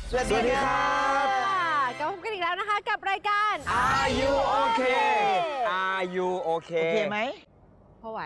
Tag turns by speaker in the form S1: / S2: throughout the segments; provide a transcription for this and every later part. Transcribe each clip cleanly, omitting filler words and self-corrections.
S1: สวัสดีครับ
S2: กลับมาพบกันอีกแล้วนะคะกับรายการ
S1: Are you okay Are you okay
S3: โอเคไหม
S2: พอไหว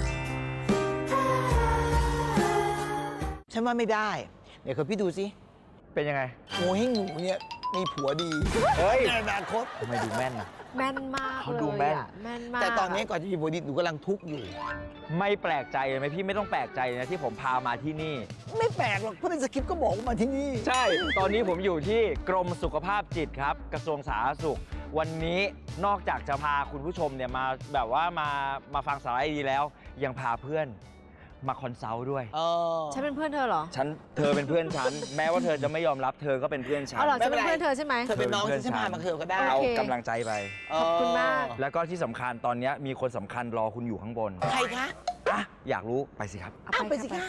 S3: ฉันว่าไม่ได้เดี๋ยวพี่ดูสิ
S1: เป็นยังไง
S3: งูให้งูเนี่ยมีผัวดี
S1: เฮ้ย
S3: ในอนาคต
S1: ทำไมดูแม่นนะ
S2: แม่นมาก
S1: เขา
S2: เลย
S1: ดูแม่น
S2: อะแม่นมาก
S3: แต่ตอนนี้ก่อนจะมีผัวดีหนูกำลังทุกข์อยู่
S1: ไม่แปลกใจเลยไหมพี่ไม่ต้องแปลกใจนะที่ผมพามาที่นี่
S3: ไม่แปลกหรอกเพราะในสคริปต์ก็บอกว่ามาที่นี่
S1: ใช่ ตอนนี้ผมอยู่ที่กรมสุขภาพจิตครับ กระทรวงสาธารณสุข วันนี้นอกจากจะพาคุณผู้ชมเนี่ยมาแบบว่ามาฟังสาระดีแล้ว ยังพาเพื่อนมาคอนซัลท์ด้วย
S2: ฉันเป็นเพื่อนเธอเหรอ
S1: เธอเป็นเพื่อนฉัน แม้ว่าเธอจะไม่ยอมรับเธอก็เป็นเพื่อนฉัน
S2: เอาเหรอฉันเป็นเพื่อนเธอใช่ไหม
S3: เธอเป็นน้องที่ฉันพามาเธอก็ได้
S1: เอา
S2: โอเค
S1: กำลังใจไป
S2: ขอบคุณมาก
S1: แล้วก็ที่สำคัญตอนนี้มีคนสำคัญรอคุณอยู่ข้างบน
S3: ใครคะ
S1: อ่ะอยากรู้ไปสิครับ
S3: อ้าวไปสิคะ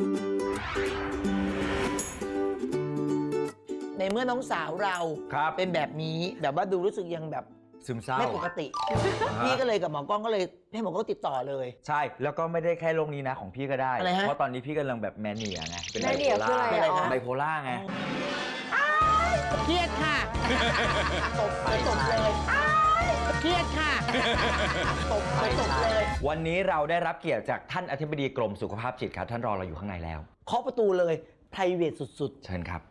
S3: ในเมื่อน้องสาวเรา
S1: ครับ
S3: เป็นแบบนี้แบบว่าดูรู้สึกยังแบบ
S1: ซึมเศร้า
S3: ไม่ปกติ พี่ก็เลยกับหมอกล้องก็เลยให้หมอกล้องติดต่อเลย
S1: ใช่แล้วก็ไม่ได้แค่โรคนี้นะของพี่ก็ได้
S3: อะไรฮะ
S1: เพราะตอนนี้พี่กำลังแบบแมเนียไงเป็น
S2: แมเนียคืออะไร
S3: อะไร
S2: อ๋อ
S3: คะ
S1: ไบโพล่าไง
S3: เครียดค่ะตบเลยตบเลยเครียดค่ะตบเลยตบเลย
S1: วันนี้เราได้รับเกียรติจากท่านอธิบดีกรมสุขภาพจิตครับท่านรอเราอยู่ข้างในแล้ว
S3: เคาะประตูเลย private สุด
S1: เชิญครับ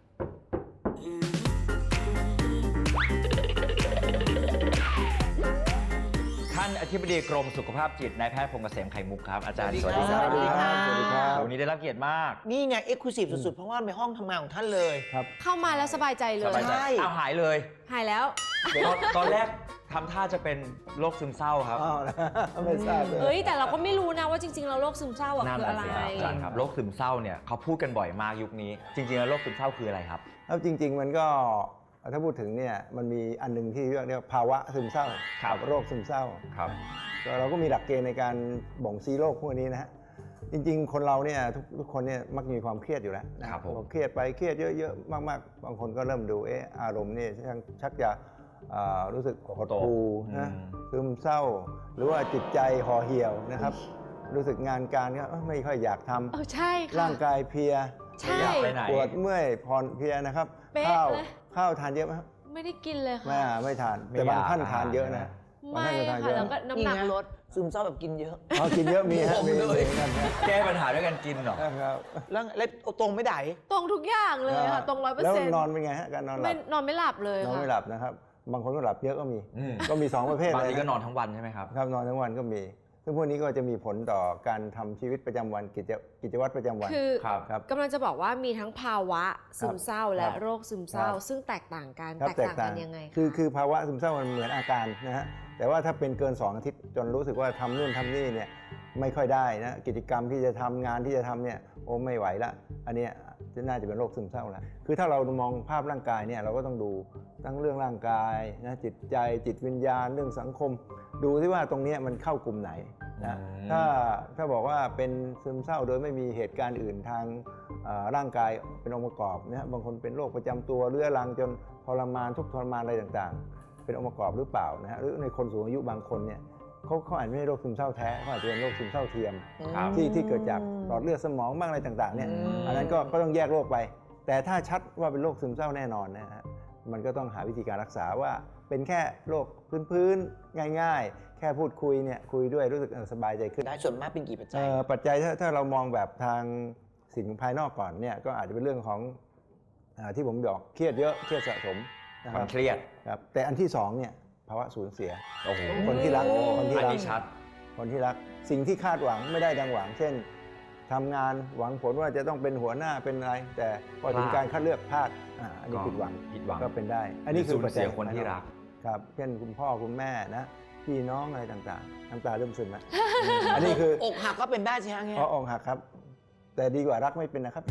S1: ท่านอธิบดีกรมสุขภาพจิตนายแพทย์พงษ์เกษมไข่มุกครับอาจารย์
S3: สวัสดีครับ
S1: สวัสดีครับ
S3: สวัสดีครับ
S1: วันนี้ได้รับเกียรติมาก
S3: ๆ นี่ไง exclusive สุดๆ เพราะว่าในห้องทำงานของท่านเลย
S2: เข้ามาแล้วสบายใจเล
S1: ส
S2: ย
S1: บายใจ
S3: ใช่
S1: เอาหายเลย
S2: หายแล้ว
S1: ตอนแรกทำท่าจะเป็นโรคซึมเศร้าครับ
S3: ไม่ทราบเลย
S2: เฮ้ยแต่เราก็ไม่รู้นะว่าจริงๆเราโรคซึมเศร้าอะ
S1: นั่น
S2: คือ
S1: แหละ
S2: อะไร
S1: สิครับอาจารย์ครับโรคซึมเศร้าเนี่ยเขาพูดกันบ่อยมากยุคนี้ จริงๆแล้วโรคซึมเศร้าคืออะไรครับ
S4: แล้วจริง ๆ มันก็ถ้าพูดถึงเนี่ยมันมีอันหนึงที่เรียกภาวะซึมเศร้า
S1: ครับ
S4: กับโรคซึมเศร้า
S1: ครับ
S4: ก็เราก็มีหลักเกณฑ์ในการบ่งชี้โรคพวกนี้นะฮะจริง ๆ คนเราเนี่ยทุกคนเนี่ยมักมีความเครียดอยู่แล้วนะครับ
S1: ผม
S4: พอเครียดไปเครียดเยอะๆมากๆบางคนก็เริ่มดูอารมณ์นี่ชักจะรู้สึกหดหู่นะซึมเศร้า หรือว่าจิตใจห่อเหี่ยวนะครับรู้สึกงานการก็ไม่ค่อยอยากทำ
S2: เออใช่ค่ะ
S4: ร่างกายเพลีย
S2: ใช่
S1: อยากไปไหน
S4: ปวดเมื่อยผ่อนเพลียนะครับ
S2: เป๊ะ
S4: ข้าว
S2: เลย
S4: ข้าวทานเยอะไหมครับ
S2: ไม่ได้กินเลย
S4: ไม่
S2: ค่ะ
S4: ไม่ทาน
S1: ไม่
S4: แต่บาง
S1: อยาก
S4: ท่านทานเยอะ
S1: ทาน
S4: นะ
S1: นะ
S4: บาง
S2: ไม่
S4: ท่านก็ทานเย
S2: ค่ะ
S4: อะ
S2: แล้วก็น้ำหนักลด
S3: ซึมเศร้าแบบกินเยอะ
S4: อ๋อกินเยอะมีฮะมี
S3: เลย
S4: มีกันฮะ
S1: แก้ปัญหาด้วยการกินเหรอ
S4: ครับ
S3: แล้วตรงไม่ได้
S2: ตรงทุกอย่างเลยค่ะตรง100%
S4: แล้วนอนเป็นไงฮะการนอนหลั
S2: ไม่
S4: บ
S2: นอนไม่หลับเลย
S4: นอน
S2: ค่ะ
S4: ไม่หลับนะครับบางคนก็หลับเยอะก็มี
S1: อืม
S4: ก็มีสองประเภท
S1: บาง
S4: เลย
S1: ทีก็นอนทั้งวันใช่ไหมครับ
S4: ครับนอนทั้งวันก็มี ซึ่งพวกนี้ก็จะมีผลต่อการทำชีวิตประจำวันกิจวัตรประจำวัน
S2: คือ
S1: ครับ
S4: ครับ
S2: กำลังจะบอกว่ามีทั้งภาวะซึมเศร้าและ
S4: ครับ
S2: โรคซึมเศร้า
S4: ครับ
S2: ซึ่งแตกต่างกัน
S4: ครับ
S2: แตกต่างกันยังไงะ
S4: คือภาวะซึมเศร้ามันเหมือนอาการนะฮะแต่ว่าถ้าเป็นเกิน 2 อาทิตย์จนรู้สึกว่าทำนู่นทำนี่เนี่ยไม่ค่อยได้นะกิจกรรมที่จะทำงานที่จะทำเนี่ยโอ้ไม่ไหวละอันเนี้ยน่าจะเป็นโรคซึมเศร้าแล้วคือถ้าเรามองภาพร่างกายเนี่ยเราก็ต้องดูทั้งเรื่องร่างกายนะจิตใจจิตวิญญาณเรื่องสังคม ดูที่ว่าตรงเนี้ยมันเข้ากลุ่มไหนนะ
S1: อืม
S4: ถ้าบอกว่าเป็นซึมเศร้าโดยไม่มีเหตุการณ์อื่นทางร่างกายเป็นองค์ประกอบนะบางคนเป็นโรคประจำตัวเรื้อรังจนทรมานทุกข์ทรมานอะไรต่างๆ เป็นองค์ประกอบหรือเปล่านะฮะหรือในคนสูงอายุบางคนเนี่ยเขาอาจไม่ใช่โรคซึมเศร้าแท้เขาอาจจะเป็นโรคซึมเศร้าเทียม
S1: ครับ
S4: ที่เกิดจากหลอดเลือดสมองบ้างอะไรต่างๆเนี่ย
S3: อืม
S4: อันนั้นก็ต้องแยกโรคไป แต่ถ้าชัดว่าเป็นโรคซึมเศร้าแน่นอนนะฮะมันก็ต้องหาวิธีการรักษาว่าเป็นแค่โรคพื้นๆง่ายๆ แค่พูดคุยเนี่ยคุยด้วยรู้สึกสบายใจขึ้น
S3: ได้ส่วนมากเป็นกี่ปัจจัย
S4: ปัจจัยถ้าเรามองแบบทางสิ่งภายนอกก่อนเนี่ยก็อาจจะเป็นเรื่องของที่ผมบอกเครียดเยอะเครียดสะสมนะ
S1: ค
S4: คว
S1: า
S4: รั
S1: ม
S4: บ
S1: เครียด
S4: ครับแต่อันที่สองเนี่ยภาวะสูญเสีย
S1: โอ้โห
S4: คนที่รักคนที่
S1: อัน
S4: รัก
S1: นี้ชัด
S4: คนที่รักสิ่งที่คาดหวังไม่ได้ดังหวัง เช่นทำงานหวังผลว่าจะต้องเป็นหัวหน้าเป็นอะไร แต่พอถึงการคัดเลือกพลาดอันนี้ผิดหวัง
S1: ผิดหวัง
S4: ก็เป็นได้ อันนี้คือ
S1: สูญ
S4: ปัจจั
S1: เสี
S4: ย
S1: ยคนที่รัก
S4: ครับเช่นคุณพ่อคุณแม่นะพี่น้องอะไรต่างๆน้ำตาเริ่มซึมแล้วอันนี้คือ
S3: อกหักก็เป็นได้ใช่ไหมเงี้ย
S4: เพราะอกหักครับ แต่ดีกว่ารักไม่เป็นนะครับ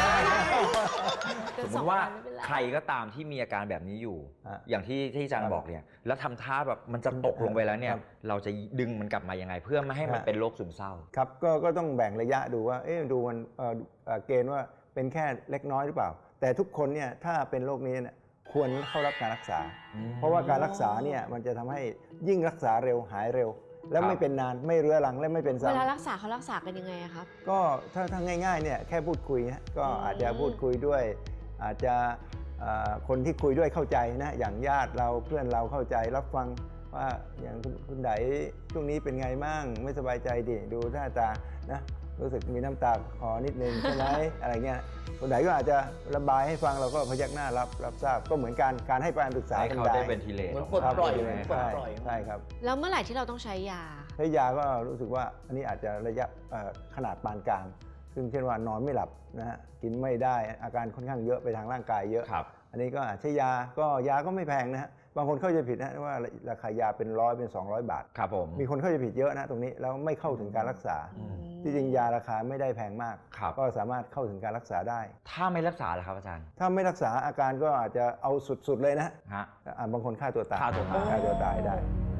S1: สมมติว่าใครก็ตามที่มีอาการแบบนี้อยู่
S4: อ่ะ
S1: อย่างที่อาจารย์บอกเนี่ยแล้วทำท่าแบบมันจะตกลงไปแล้วเนี่ย
S4: ครับ
S1: เราจะดึงมันกลับมายังไง เพื่อไม่ให้มัน
S4: ฮะ
S1: เป็นโรคซึมเศร้า
S4: ครับก็ต้องแบ่งระยะดูว่าดูมันเกณฑ์ว่าเป็นแค่เล็กน้อยหรือเปล่า แต่ทุกคนเนี่ยถ้าเป็นโรคนี้เนี่ยควรเข้ารับการรักษา เพราะว่าการรักษาเนี่ยมันจะทำให้ยิ่งรักษาเร็วหายเร็ว และ
S1: ครับ
S4: ไม่เป็นนานไม่เรื้อรังและไม่เป็น
S2: เวลา
S4: ซ้ำ
S2: รักษาเขารักษากันยังไงอะครับ
S4: ก็ถ้าง่ายๆเนี่ยแค่พูดคุยนะก็อาจจะพูดคุยด้วย อาจจะคนที่คุยด้วยเข้าใจนะอย่างญาติเราเพื่อนเราเข้าใจรับฟังว่าอย่างคุณไดช่วงนี้เป็นไงมั่งไม่สบายใจดิดูหน้าตานะรู้สึกมีน้ำตาคลอนิดนึงใช่ไหม อะไรเงี้ยคุณไดก็อาจจะระบายให้ฟังเราก็พยักหน้ารับทราบก็เหมือนการให้การปรึกษา
S1: ให้
S4: กัน
S1: เขาได้เป็นทีเลท
S3: เหมือนปลดปล่อย
S4: ครับ
S3: เหมือนปลดปล่อย
S4: ใช่ครับ
S2: แล้วเมื่อไหร่ที่เราต้องใช้ยา
S4: ใช้ยาก็รู้สึกว่าอันนี้อาจจะระยะขนาดปานกลาง ซึ่งเช่นว่านอนไม่หลับนะฮะกินไม่ได้อาการค่อนข้างเยอะไปทางร่างกายเยอะ
S1: ครับ
S4: อันนี้ก็อาจใช้ยาก็ไม่แพงนะฮะบางคนเข้าใจผิดนะว่าราคายาเป็น100เป็น200 บาท
S1: ครับผม
S4: มีคนเข้าใจผิดเยอะนะตรงนี้แล้วไม่เข้าถึงการรักษา ที่จริงยาราคาไม่ได้แพงมาก
S1: ครับ
S4: ก็สามารถเข้าถึงการรักษาได้
S1: ถ้าไม่รักษาล่ะครับอาจารย์
S4: ถ้าไม่รักษาอาการก็อาจจะเอาสุดๆเลยนะ
S1: ฮะ
S4: บางคนฆ่าตัวตาย
S1: ฆ่าตัวตาย
S4: ฆ่าตัวตายได้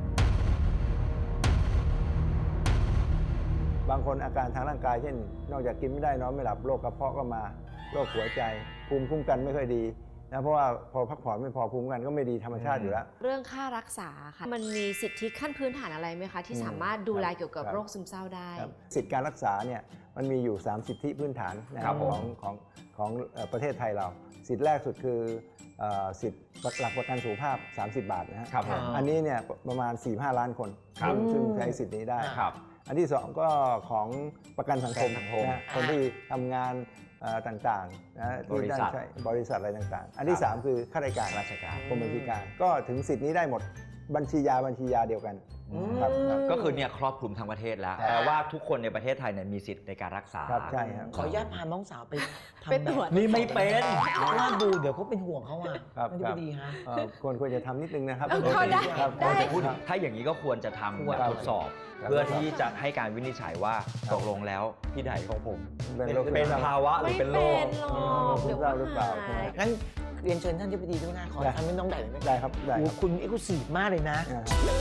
S4: บางคนอาการทางร่างกายเช่น นอกจากกินไม่ได้นอนไม่หลับโรคกระเพาะก็มาโรคหัวใจภูมิคุ้มกันไม่ค่อยดีนะเพราะว่าพอพักผ่อนไม่พอภูมิคุ้มกันก็ไม่ดีธรรมชาติอยู่แล้ว
S2: เรื่องค่ารักษาค่ะมันมีสิทธิขั้นพื้นฐานอะไรไหมคะ ที่สามารถดูแลเกี่ยวกับ
S4: ครับ
S2: โรคซึมเศร้าได้
S4: ครับสิทธิการรักษาเนี่ยมันมีอยู่ 3 สิทธิพื้นฐานนะค
S1: ครั
S4: รั
S1: บบ ผม
S4: ของประเทศไทยเรา สิทธิแรกสุดคือสิทธิหลักประกันสุขภาพ 30 บาทนะฮะ
S1: ครับผม
S4: อันนี้เนี่ยประมาณ 4-5 ล้านคน
S1: ครับ
S4: ซึ่งใช้สิทธินี้ได้
S1: ครับ
S4: อันที่ 2 ก็ของประกันสังคม
S1: ประกันสังคม
S4: นะคนที่ทำงานต่างๆนะที่
S1: บริษัท
S4: ได้ใช้บริษัทอะไรต่างๆ อันที่
S1: ครับ
S4: 3 คือข้าราชการ
S1: ราชการ
S4: กรมบัญชีกลารก็ถึงสิทธินี้ได้หมดบัญชียาเดียวกันครับ
S1: ก็คือเนี่ยครอบคลุมทั้งประเทศแล้ว
S4: ครับ
S1: แปลว่าทุกคนในประเทศไทยเนี่ยมีสิทธิ์ในการรักษา
S4: ครับใช่ครับ
S3: ขออนุญาตพาน้องสาวไปทำ
S2: ไปตรวจ
S1: นี่ไม่เป็น
S3: ว่าดูเดี๋ยวเขาเป็นห่วงเขาอ่ะ
S4: ครับ
S3: ไม่ได้ดีฮะ
S4: ควรจะทำนิดนึงนะครับ
S2: ได้
S4: ครับ
S2: ได้
S1: แต่พูดถ้าอย่างนี้ก็ควรจะทำแบบทดสอบ
S4: ครับ
S1: เพื่อที่จะให้การวินิจฉัยว่าตกลงแล้วพี่ไดของผม
S4: เป็นโรค
S1: เป็นภาวะหรือ
S2: ไม่
S1: เป็นโร
S2: เป็
S1: ค
S2: นหรอกเดี๋ยวก็
S4: หรือเปล่า
S2: หาย
S3: งั้นเรียนเชิญท่านที่ปดีด้วยนะขอทำให้น้องได้ไหม
S4: ได้ครับได้ครับ
S3: คุณเอ็กซ์คลูซีฟมากเลยนะ
S4: อ่า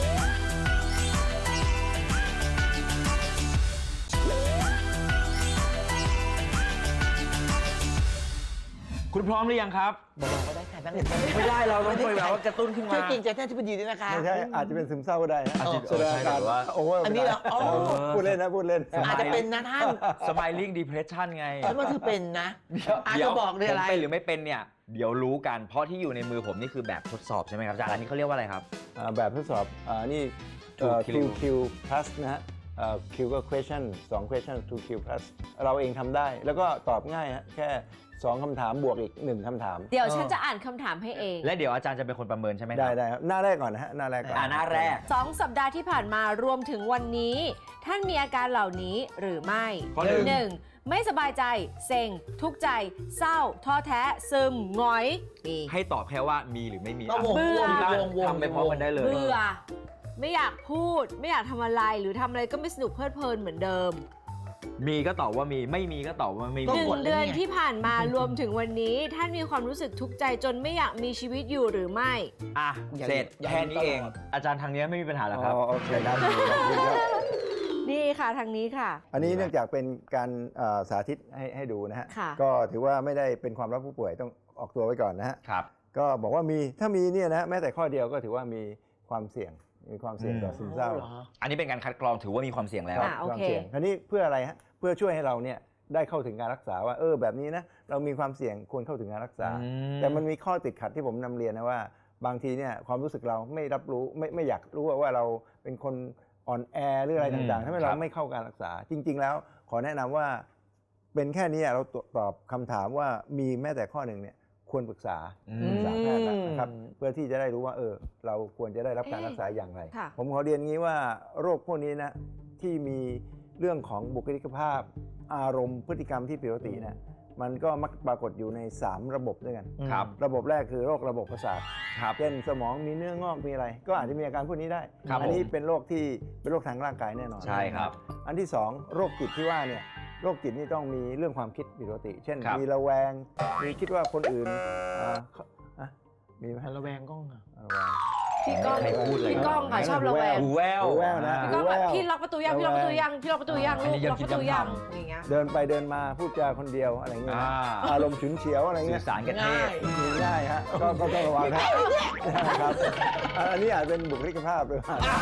S1: คุณพร้อมหรือยังครับ
S3: บอกก็ได้ค่ะนั่ง
S1: ไม่ได้เราต้องคุยแบบว่ากระตุ้นขึ้นมา
S3: ช่วยเกรงใจท่านที่ปดีด้วยนะคะ
S4: ไม่ใช่อาจจะเป็นซึมเศร้าก็ได้นะ
S1: อาจจะ
S4: แสดงอาการ
S1: ใช่หรือว่า
S4: โอเวอร์
S3: อันนี้เหรออ๋อ
S4: พูดเล่นนะพูดเล่น
S3: อาจจะเป็นนะท่าน
S1: Smiling Depression ไง
S3: ฉันว่าเธอเป็นนะอาจจะบอกเลยอะไร
S1: ผมเป็นหรือไม่เป็นเนี่ย เดี๋ยวรู้กัน เพราะที่อยู่ในมือผมนี่คือแบบทดสอบใช่ไหมครับอาจารย์อันนี้เขาเรียกว่าอะไรครับ
S4: แบบทดสอบนี่
S1: 2Q
S4: 2Q plus นะฮะQ ก็ question 2 question 2Q plus เราเองทำได้ แล้วก็ตอบง่ายฮะแค่2คำถามบวกอีก1คำถาม
S2: เดี๋ยวฉันจะอ่านคำถามให้เอง
S1: และเดี๋ยวอาจารย์จะเป็นคนประเมินใช่ไหมครับ
S4: ได้ครับหน้าแรกก่อนนะฮะหน้าแรกก่อน
S1: หน้าแรก
S2: 2 สัปดาห์ที่ผ่านมารวมถึงวันนี้ ท่านมีอาการเหล่านี้หรือไม่
S1: ข้อหนึ่ง
S2: 1. ไม่สบายใจ เซ็ง ทุกข์ใจ เศร้า ท้อแท้ ซึมหงอยมี
S1: ให้ตอบแค่ว่ามีหรือไม่มี
S3: ก็วง
S2: เบื่อ
S1: ทำไปพร้อมกันได้เลย
S2: เบื่อ ไม่อยากพูด ไม่อยากทำอะไร หรือทำอะไรก็ไม่สนุกเพลิดเพลินเหมือนเดิม
S1: มีก็ตอบว่ามีไม่มีก็ตอบว่าไม่
S3: ก็
S1: มี
S3: หมด
S2: 1 เดือนที่ผ่านมารวมถึงวันนี้ ท่านมีความรู้สึกทุกข์ใจจนไม่อยากมีชีวิตอยู่หรือไม่
S1: อ่ะ
S3: อย่า
S1: เสร็จ
S3: อย่า
S1: แค่นี้เอง
S3: ตลอด
S1: อาจารย์ทางนี้ไม่มีปัญหาหรอก
S4: อ๋
S1: ครับ
S4: อโอเคครับดีครับ
S2: นี่ค่ะทางนี้ค่ะ
S4: อันนี้เนื่องจากเป็นการสาธิตให้ดูนะฮะ
S2: ค่ะ
S4: ก็ถือว่าไม่ได้เป็นความลับผู้ป่วยต้องออกตัวไว้ก่อนนะฮะ
S1: ครับ
S4: ก็บอกว่ามีถ้ามีเนี่ยนะแม้แต่ข้อเดียวก็ถือว่ามีความเสี่ยงต่อซึมเศร้า
S3: เหรอ
S1: อันนี้เป็นการคัดกรองถือว่ามีความเสี่ยงแล้ว
S2: อ่ะ โอ
S4: ความ
S2: เค
S4: เสี่ยงคราวนี้เพื่ออะไรฮะเพื่อช่วยให้เราเนี่ยได้เข้าถึงการรักษาว่าแบบนี้นะเรามีความเสี่ยงควรเข้าถึงการรักษา
S1: อืม
S4: แต่มันมีข้อติดขัดที่ผมนำเรียนนะว่า บางทีเนี่ยความรู้สึกเราไม่รับรู้ไม่อยากรู้ว่าเราเป็นคนอ่อนแอหรืออะไรต่างๆทำให้เราไม่เข้าการรักษา จริง ๆ แล้วขอแนะนำว่าเป็นแค่นี้เราตอบคำถามว่ามีแม้แต่ข้อหนึ่งเนี่ยควรปรึกษา
S1: อืม
S4: แพทย์นะครับเพื่อที่จะได้รู้ว่าเราควรจะได้รับการรักษาอย่างไร
S2: ค่ะ
S4: ผมขอเรียนงี้ว่าโรคพวกนี้นะที่มีเรื่องของบุคลิกภาพ อารมณ์พฤติกรรมที่ผิดปกตินะมันก็มักปรากฏอยู่ใน 3 ระบบด้วยกัน
S1: ครับ
S4: ระบบแรกคือโรคระบบประสาท
S1: ครับ
S4: เช่นสมองมีเนื้องอกมีอะไร ก็อาจจะมีอาการพวกนี้ได้
S1: ครับ
S4: อันี้
S1: ผม
S4: เป็นโรคที่เป็นโรคทางร่างกายแน่นอน
S1: ใช่ครับ
S4: อันที่ 2 โรคจิตที่ว่าเนี่ยโรคจิตนี่ต้องมีเรื่องความคิดผิดปกติ เช่น
S1: ครับ
S4: มีระแวงมีคิดว่าคนอื่นมีไหม
S3: ระแวงกล้องอะ
S4: ระแวง
S2: พี่ก้อง
S1: ใครพูดเลย
S2: พี่ก้องค่ะชอบระแวง
S1: หูแวว
S4: หูแว่วนะ
S2: พี่ก้องแบบพี่ล็อกประตูยังพี่ล็อกประตูยังพี่ล็อกประตูยัง
S1: อัน
S2: ลู
S1: นี้
S2: ก
S1: ยัง
S2: ล็อก
S1: คิ
S2: ป
S1: ด
S2: ระตูยัง
S1: จำๆ
S2: อย่างเงี้ย
S4: เดินไปเดินมาพูดจาคนเดียวอะไรเงี้ย
S1: อ่า
S4: นะอารมณ์ฉุนเฉียวอะไร
S1: สื่
S4: เงี้
S1: อย สารกันเทศ
S4: มีง่ายฮะก็ต้องระวังนะครับอันนี้อาจเป็นบุคลิกภาพเลย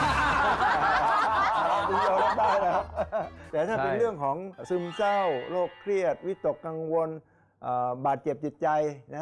S4: คุณยอมรับได้นะครับแต่ถ้าเป็น
S1: ใช่
S4: เรื่องของซึมเศร้าโรคเครียดวิตกกังวลบาดเจ็บจิตใจนะฮะ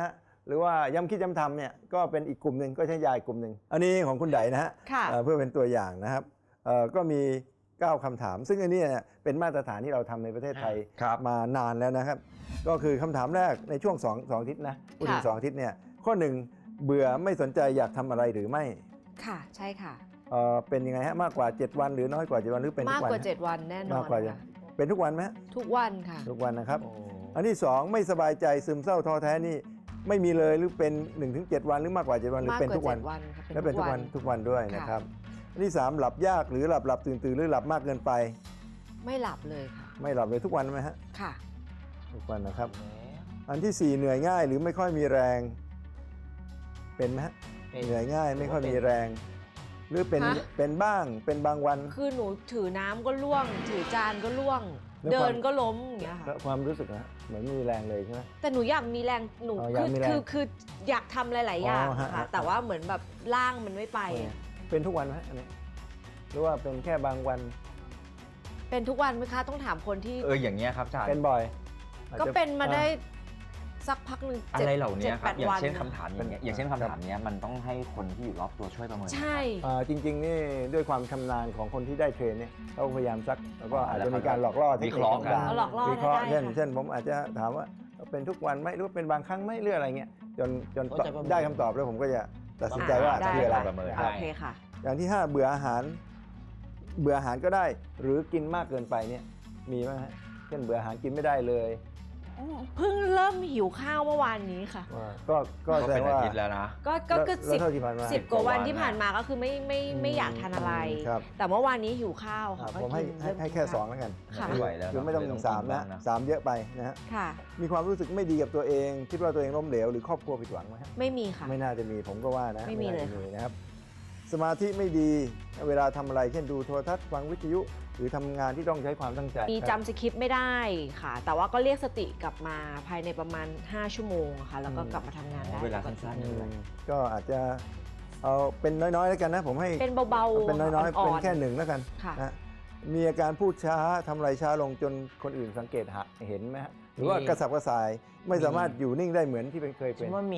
S4: หรือว่าย้ำคิดย้ำทำเนี่ยก็เป็นอีกกลุ่มหนึ่งก็ใช้ยาอีกกลุ่มหนึ่งอันนี้ของคุณไดนะฮะ
S2: ค่ะ
S4: เพื่อเป็นตัวอย่างนะครับก็มี 9 คำถาม ซึ่งอันนี้เนี่ยเป็นมาตรฐานที่เราทำในประเทศไทย
S1: ครับ
S4: มานานแล้วนะครับ ก็คือคำถามแรกในช่วง2อาทิตย์นะพูดถึง
S2: ค่ะ
S4: 2 อาทิตย์เนี่ยข้อ 1 เบื่อไม่สนใจอยากทำอะไรหรือไม่
S2: ค่ะใช่ค่ะ
S4: เป็นยังไงฮะมากกว่า 7 วันหรือน้อยกว่า 7 วันหรือเป็นทุ
S2: มาก
S4: กวัน
S2: กว่า 7 วันแน่นอน
S4: มากกว่า
S2: ค่ะ
S4: เป็นทุกวันไหมฮะ
S2: ทุกวันค่ะ
S4: ทุกวันนะครับ
S1: โอ้
S4: อันที่ 2 ไม่สบายใจซึมเศร้าท้อแท้นี่ไม่มีเลยหรือเป็น 1-7 วันหรือมากกว่า 7 วันหรือ
S2: มาก
S4: เป็น
S2: กว่า
S4: ทุกวัน
S2: 7 วันค่ะ
S4: และเป็นทุกวันทุกวันด้วยนะครับอันที่ 3 หลับยากหรือหลับตื่นหรือหลับมากเกินไป
S2: ไม่หลับเลยค่ะ
S4: ไม่หลับเลยทุกวันไหมฮะ
S2: ค่ะ
S4: ทุกวันนะครับ อันที่ 4 เหนื่อยง่ายหรือไม่ค่อยมีแรงเป็นไหมฮะ
S3: เป็น
S4: เหนื่อยง่ายไม่ค่อยมีแรง หรือเป็น
S2: ฮะ
S4: เป็นบ้างเป็นบางวัน
S2: คือหนูถือน้ำก็ล่วง ถือจานก็ล่วง
S4: แล้ว
S2: เดิ
S4: ความ
S2: นก็ล้มอย่างเงี้ยค่ะ
S4: แล้วความรู้สึกนะเหมือนไม่มีแรงเลยใช่ไหม
S2: แต่หนูอยากมีแรงหนู
S4: อ๋ออยากมีแรง
S2: คืออยากทำหลาย ๆ อย่าง
S4: อ๋อฮะ
S2: ค่ะ
S4: ฮะ
S2: แต่ว่าเหมือนแบบร่างมันไม่ไปอะ
S4: เป็นทุกวันไหมอันนี้หรือว่าเป็นแค่บางวัน
S2: เป็นทุกวันไหมคะต้องถามคนที่
S1: อย่างเงี้ยครับอาจารย์
S4: เป็นบ่อยอจ
S2: ก็
S4: จะ
S2: เป็นมาได้สักพักหนึ่ง
S1: อะไรเหล่านี้ครับ
S2: 7-8
S1: อย่าง
S2: วัน
S1: เช่นคำถามอย่างเงี้ยอย่างเช่นคำถามเนี้ยมันต้องให้คนที่อยู่รอบตัวช่วยประเมิน
S2: ใช่
S4: จริงๆนี่ด้วยความชำนาญของคนที่ได้เทรนเนี่ยเขาพยายามซักแล้วก็
S1: อ๋อ
S4: อาจ
S1: แล้ว
S4: จะมีการหลอกล่อเทค
S1: วิ
S4: นิ
S1: เค
S4: ค
S1: ราะห์กัน
S4: ต่าง
S2: เอาหลอกล่อ
S4: วิเคราะห์
S2: ได้
S4: เช่น
S2: ค่ะ
S4: เช่นผมอาจจะถามว่าเป็นทุกวันไหมหรือว่าเป็นบางครั้งไหมหรืออะไรเงี้ยจน
S3: ก็จะประเมิน
S4: ได้คำตอบแล้วผมก็จะตัดสินใจว่า
S2: ได้
S4: คืออะไร
S1: ประเมิน
S2: โอเคค่ะ
S4: อย่างที่ 5 เบื่ออาหารก็ได้ หรือกินมากเกินไปเนี่ยมีไหมฮะเช่นเบื่ออาหารกินไม่ได้เลย
S2: เพิ่งเริ่มหิวข้าวเมื่อวานนี้ค่ะ
S4: ก็
S1: ก็
S4: แสด
S1: เป็น
S4: ง
S1: อา
S4: ว่า
S1: ทิตย์แล้วนะ
S2: ก็คือ
S4: แล้วเท่าที่ผ่านมา
S2: สิบกว่าวัน
S1: 10
S2: ที่ผ่านมาก็คือไม่อยากทานอะไร
S4: ครับ
S2: แต่เมื่อวานนี้หิวข้าวค่ะก็
S4: ผมให้
S2: กินเริ่ม
S4: ให้
S2: กิน
S4: แค่
S2: ข้าว
S4: 2แล้วกัน
S2: ค่ะ
S1: ไม่ไหวแล้ว
S4: คือไม่ต้อง
S1: เน
S4: ถึ
S1: อะ
S4: ง3นะ
S1: บ้างนะ
S4: 3เยอะไปนะฮะ
S2: ค่ะ
S4: มีความรู้สึกไม่ดีกับตัวเอง คิดว่าตัวเองล้มเหลวหรือครอบครัวผิดหวังไหมฮะ
S2: ไม่มีค่ะ
S4: ไม่น่าจะมีผมก็ว่านะ
S2: ไม่มีเลย
S4: น่าจะนะครับ สมาธิไม่ดีเวลาทำอะไรเช่นดูโทรทัศน์ฟังวิทยุ หรือทำงานที่ต้องใช้ความตั้งใจ
S2: มีจำสคริปต์ไม่ได้ค่ะ แต่ว่าก็เรียกสติกลับมาภายในประมาณ 5 ชั่วโมงค่ะ แล้วก็กลับมาทำงานได้
S1: เวลาสั้นๆ
S4: อื
S1: ด้วย
S4: มก็อาจจะเอาเป็นน้อยๆแล้วกันนะผมให้
S2: เป็นเบาๆ
S4: เป็นน้อยๆ
S2: อ่
S4: เป็น
S2: อนๆ
S4: แค่หนึ่งแล้วกัน
S2: ค่ะ
S4: นะมีอาการพูดช้าทำอะไรช้าลงจนคนอื่นสังเกตเห็นไหมฮะหรือว่ากระสับกระส่ายไม่สามารถอยู่นิ่งได้เหมือนที่เคย
S3: ฉั
S4: เป็น
S3: นว่ามี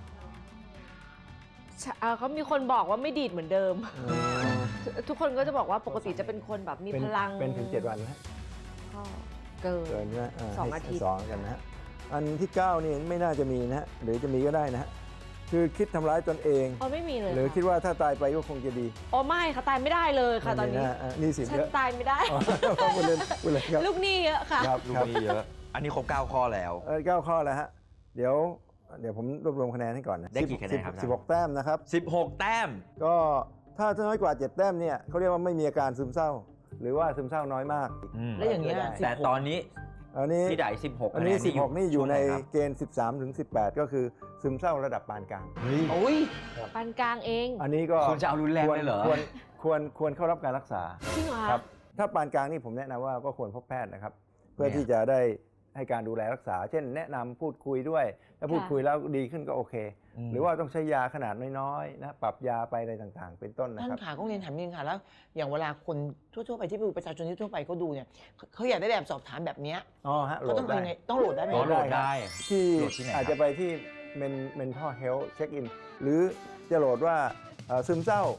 S2: เขามีคนบอกว่าไม่ดีดเหมือนเดิม
S4: อืม
S2: ทุกคนก็จะบอกว่าปกติจะเป็นคนแบบมีพลัง
S4: เป็นถึง 7 วันนะ
S2: ก็เกิน
S4: เกินนะ
S2: สอง
S4: ให้
S2: อาทิตย์
S4: สองกันนะฮะอันที่ 9 นี่ไม่น่าจะมีนะฮะหรือจะมีก็ได้นะฮะคือคิดทำร้ายตนเอง
S2: อ๋อไม่มีเลย
S4: หรือ
S2: ค่ะ
S4: คิดว่าถ้าตายไปก็คงจะดี
S2: อ๋อไม่ค่ะตายไม่ได้เลยค่ะตอนนี้
S4: ไม่มีะนี่สิ
S2: ฉัน
S4: เยอะ
S2: ตายไม่ได้
S4: อ๋อพูดเล่นครับ
S2: ลูกหนี้เยอะค่ะ
S4: ครับ
S1: ลูก
S4: ครับ
S1: นี้เยอะ อันนี้ครบ 9 ข้อแล้ว
S4: 9 ข้อแล้วฮะเดี๋ยวผมรวบรวมคะแนนให้ก่อนนะ
S1: ได้กี่คะแนนครับ
S4: 16 แต้มนะครับ
S1: 16 แต้ม
S4: ก็ถ้าน้อยกว่า 7 แต้มเนี่ยเขาเรียกว่าไม่มีอาการซึมเศร้า หรือว่าซึมเศร้าน้อยมาก
S3: แล้วอย่างเงี้ย
S1: แต่ตอนนี้
S4: อันนี้
S1: พี่ได16
S4: อันนี้
S1: คะแ
S4: 16 นี่อยู่ใน
S1: ช่วงไหครับ
S4: เกณฑ์ 13 ถึง 18 ก็คือซึมเศร้าระดับปานกลาง
S3: โอ้ย
S2: ปานกลางเอง
S4: อันนี้ก็
S1: คุณจะเอารุนแรงเลยเหรอ
S4: ควรเข้ารับการรักษา
S2: จริงเหรอคะ
S4: ครับถ้าปานกลางนี่ผมแนะนำว่าก็ควรพบแพทย์นะครับ เพื่อ
S1: เนี่ย
S4: ที่จะได้ให้การดูแลรักษา เช่น แนะนำพูดคุยด้วย ถ้าพูดคุยแล้วดีขึ้นก็โอเค หรือว่าต้องใช้ยาขนาดน้อยๆนะปรับยาไปอะไรต่างๆ เป็นต้นนะ
S3: ท่า
S4: คน รับ
S3: ขาก็เรียนถามนิดนึงค่ะแล้วอย่างเวลาคนทั่วๆไปที่ดูประชาชนที่ทั่วไปเขาดูเนี่ยเขาอยากได้แบบสอบถามแบบเนี้ย
S4: อ๋อฮะโหล
S3: เขา
S4: ด
S3: ต้อง
S4: ได้
S3: ทำยังไงต้องโหลดได้ไหม
S1: อ๋อโหลด
S3: ครับ
S1: ได้
S4: ที่
S1: โหลดที่ไหนครับ
S4: อาจจะไปที่ mental health check in หรือจะโหลดว่าซึมเศร้า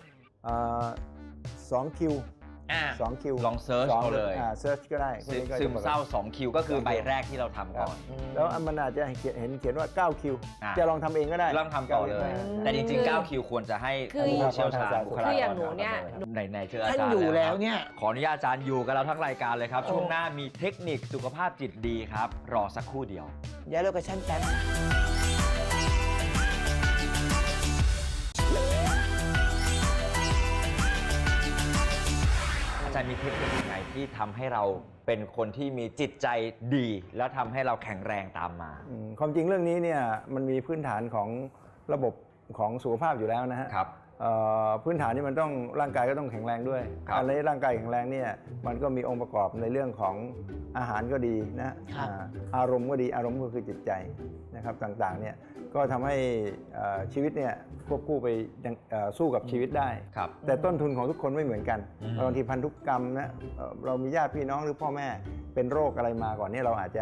S4: 2 คิว 2 คิว
S1: ลองเซิร์ชเอาเลย
S4: เซิร์ชก็ได้พวกนี้ก็จะ
S1: ซึมเศร้า 2 คิวก็คือใบแรกที่เราทำก่อน
S4: แล้วมันอาจจะเขียนว่า 9 คิว
S1: อ่า
S4: จะลองทำเองก็ได้
S1: ลองทำต่อเลย แต่จริงๆ 9 คิวควรจะให้
S2: คือ
S1: ผู้เชี่ยวชาญบุคลากร
S2: คืออย่างหนูเนี่ย
S1: ไหนๆเจออา
S3: ท่าน
S1: จารย์
S3: อยู่แล้ว
S1: ครับ
S3: เนี่ย
S1: ขออนุญาตอาจารย์อยู่กับเราทั้งรายการเลยครับ
S3: โอ้
S1: ช่วงหน้ามีเทคนิคสุขภาพจิตดีครับ รอสักครู่เดียว
S3: ย้ายโลเคชั่นแป๊บ
S1: อาจารย์มีเทคนิคยังไงที่ทำให้เราเป็นคนที่มีจิตใจดี แล้วทำให้เราแข็งแรงตามมา
S4: ความจริงเรื่องนี้เนี่ยมันมีพื้นฐานของระบบของสุขภาพอยู่แล้วนะฮะ
S1: ครับ
S4: พื้นฐานนี่มันต้องร่างกายก็ต้องแข็งแรงด้วย
S1: ครับ
S4: อะไรร่างกายแข็งแรงเนี่ยมันก็มีองค์ประกอบในเรื่องของอาหารก็ดีนะครับ อารมณ์ก็ดีอารมณ์ก็คือจิตใจนะครับต่างๆเนี่ยก็ทำให้ชีวิตเนี่ยควบคู่ไปสู้กับชีวิตได้
S1: ครับ
S4: แต่ต้นทุนของทุกคนไม่เหมือนกัน
S1: อืม
S4: บางทีพันธุกรรมนะเรามีญาติพี่น้องหรือพ่อแม่เป็นโรคอะไรมาก่อนเนี่ยเราอาจจะ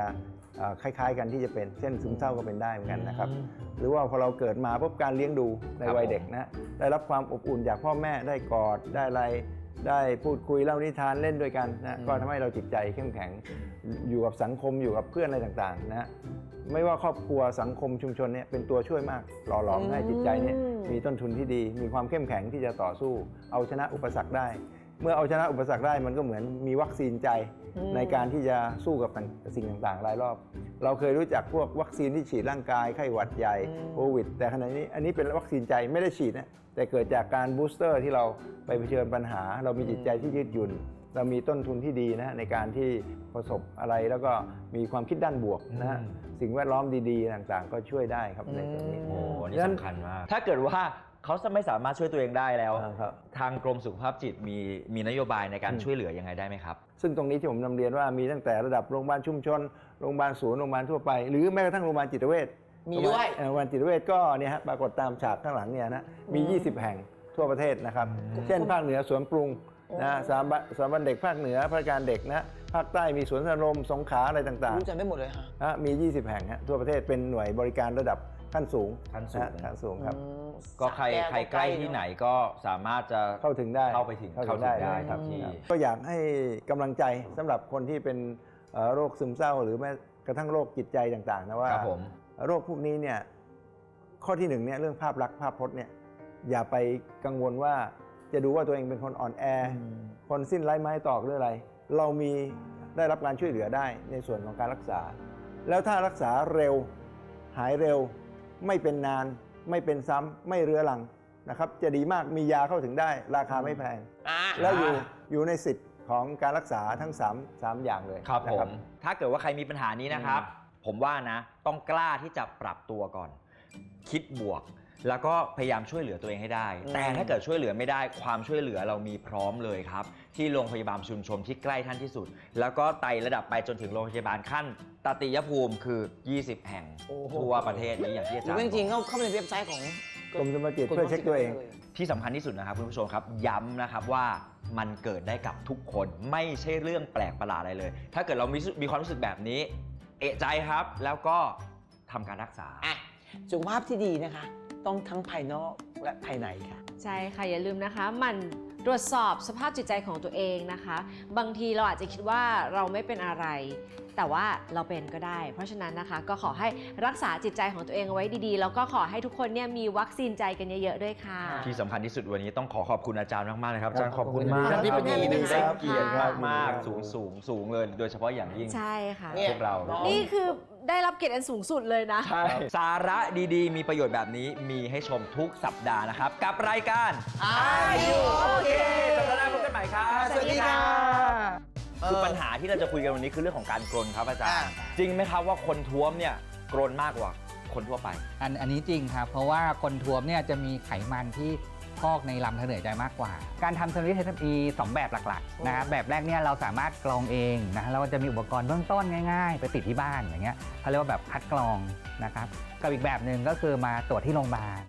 S4: คล้ายๆกันที่จะเป็นเช่นซึมเศร้าก็เป็นได้เหมือนกันนะครับหรือว่าพอเราเกิดมาปุ๊บการเลี้ยงดูในวัยเด็กนะได้รับความอบอุ่นจากพ่อแม่ได้กอดได้อะไรได้พูดคุยเล่านิทานเล่นด้วยกันนะก็ทำให้เราจิตใจเข้มแข็งอยู่กับสังคมอยู่กับเพื่อนอะไรต่างๆนะไม่ว่าครอบครัวสังคมชุมชนเนี่ยเป็นตัวช่วยมากหล่อหลอมให้จิตใจเนี่ยมีต้นทุนที่ดีมีความเข้มแข็งที่จะต่อสู้เอาชนะอุปสรรคได้เมื่อเอาชนะอุปสรรคได้มันก็เหมือนมีวัคซีนใจในการที่จะสู้กับสิ่งต่างๆรายรอบเราเคยรู้จักพวกวัคซีนที่ฉีดร่างกายไข้หวัดใหญ่โควิดแต่ขณะนี้อันนี้เป็นวัคซีนใจไม่ได้ฉีดนะแต่เกิดจากการบูสเตอร์ที่เราไปเผชิญปัญหาเรามีจิตใจที่ยืดหยุ่นเรามีต้นทุนที่ดีนะในการที่ประสบอะไรแล้วก็มีความคิดด้านบวกนะฮะสิ่งแวดล้อมดีๆต่างๆก็ช่วยได้ครับในตรงนี้
S1: โอ้นี่สำคัญมาก ถ้าเกิดว่าเขาไม่สามารถช่วยตัวเองได้แล้ว ทางกรมสุขภาพจิตมีนโยบายในการช่วยเหลือยังไงได้ไหมครับ
S4: ซึ่งตรงนี้ที่ผมนำเรียนว่ามีตั้งแต่ระดับโรงพยาบาลชุมชนโรงพยาบาลศูนย์โรงพยาบาลทั่วไปหรือแม้กระทั่งโรงพยาบาลจิตเวช
S3: มีด้วย
S4: โรงพยาบาลจิตเวชก็เนี่ยฮะปรากฏตามฉากข้างหลังเนี่ยนะมี 20 แห่งทั่วประเทศนะครับเช่นภาคเหนือสวนปรุงนะสถาบันเด็กภาคเหนือพระการเด็กนะภาคใต้มีสวนสนมสงขลาอะไรต่าง
S3: รู้จักได้หมดเลยฮะ
S4: ๆมี 20 แห่งฮะทั่วประเทศเป็นหน่วยบริการระดับขั้นสูง
S1: ขั้นสูง
S4: นะขั้นสูงครับ
S1: ก็ใครใกล้ที่ไหนก็สามารถจะ
S4: เข้าถึงได้
S1: เข้าไปถึงได้ครับที่
S4: ก็อยากให้กำลังใจสำหรับคนที่เป็นโรคซึมเศร้าหรือแม้กระทั่งโรคจิตใจต่างๆนะว่า
S1: ครับผม
S4: โรคพวกนี้เนี่ยข้อที่หนึ่งเนี่ยเรื่องภาพลักษณ์ภาพพจน์เนี่ยอย่าไปกังวลว่าจะดูว่าตัวเองเป็นคนอ่อนแอคนสิ้นไร้ไม้ตอกหรืออะไร เรามีได้รับการช่วยเหลือได้ในส่วนของการรักษา แล้วถ้ารักษาเร็วหายเร็วไม่เป็นนานไม่เป็นซ้ำไม่เรื้อรังนะครับจะดีมากมียาเข้าถึงได้ราคาไม่แพง แล้วอยู่ในสิทธิ์ของการรักษาทั้ง3อย่างเลย
S1: ครับ
S4: นะ
S1: ผมถ้าเกิดว่าใครมีปัญหานี้นะครับ ผมว่านะต้องกล้าที่จะปรับตัวก่อน คิดบวก แล้วก็พยายามช่วยเหลือตัวเองให้ได้ แต่ถ้าเกิดช่วยเหลือไม่ได้ความช่วยเหลือเรามีพร้อมเลยครับที่โรงพยาบาลชุมชนที่ใกล้ท่านที่สุด แล้วก็ไต่ระดับไปจนถึงโรงพยาบาลขั้นตติยภูมิคือ 20 แห่งทั่วประเทศนี้อย่างที่อา
S3: ห
S1: จา
S3: รื
S1: ร
S3: อ
S1: ย์
S3: ว่าจริงๆ
S1: บอก
S3: เข้าไปในเว็บไซต์ของ
S4: กรมสมบัติจิตเพื่อเช็คตัวเอง
S1: ที่สำคัญที่สุดนะครับคุณผู้ชมครับย้ำนะครับว่ามันเกิดได้กับทุกคนไม่ใช่เรื่องแปลกประหลาดอะไรเลย ถ้าเกิดเรามีความรู้สึกแบบนี้เอะใจครับแล้วก็ทำการรักษา
S3: สุขภาพที่ดีนะคะ ต้องทั้งภายนอกและภายในค่ะ
S2: ใช่ค่ะอย่าลืมนะคะหมันตรวจสอบสภาพจิตใจของตัวเองนะคะ บางทีเราอาจจะคิดว่าเราไม่เป็นอะไร แต่ว่าเราเป็นก็ได้ เพราะฉะนั้นนะคะก็ขอให้รักษาจิตใจของตัวเองเอาไว้ดีๆ แล้วก็ขอให้ทุกคนเนี่ยมีวัคซีนใจกันเยอะๆด้วยค่ะ
S1: ที่สำคัญที่สุดวันนี้ต้องขอบคุณอาจารย์มากๆเลยครับอาจารย์ขอบคุณมาก
S3: ท่านอธิบดีนะครับ
S1: ได้เกียรติมากๆสูงเลยโดยเฉพาะอย่างยิ่ง
S2: ใช่ค่ะ
S3: เนี่ย
S1: พวกเรา
S2: นี่คือได้รับเกียรติอันสูงสุดเลยนะ
S1: ใช่สาระดีๆ มีประโยชน์แบบนี้มีให้ชมทุกสัปดาห์นะครับ กับรายการ
S3: Are You Okay
S1: สัปดาห์หน้าพบกันใหม่ครับ
S3: สวัสดีค่ะ
S1: คือปัญหาที่เราจะคุยกันวันนี้คือเรื่องของการกรนครับอาจารย์ จริงไหมครับว่าคนท้วมเนี่ยกรนมากกว่าคนทั่วไป
S5: อันนี้จริงครับ เพราะว่าคนท้วมเนี่ยจะมีไขมันที่พอกในลำธารเหนื่อยใจมากกว่า การทำ Family Test มี2 แบบหลักๆนะครับแบบแรกเนี่ยเราสามารถกรองเองนะแล้วก็จะมีอุปกรณ์เบื้องต้นง่ายๆ ไปติดที่บ้านอย่างเงี้ยเขาเรียกว่าแบบคัดกรองนะครับกับอีกแบบหนึ่งก็คือมาตรวจที่โรงพยาบาล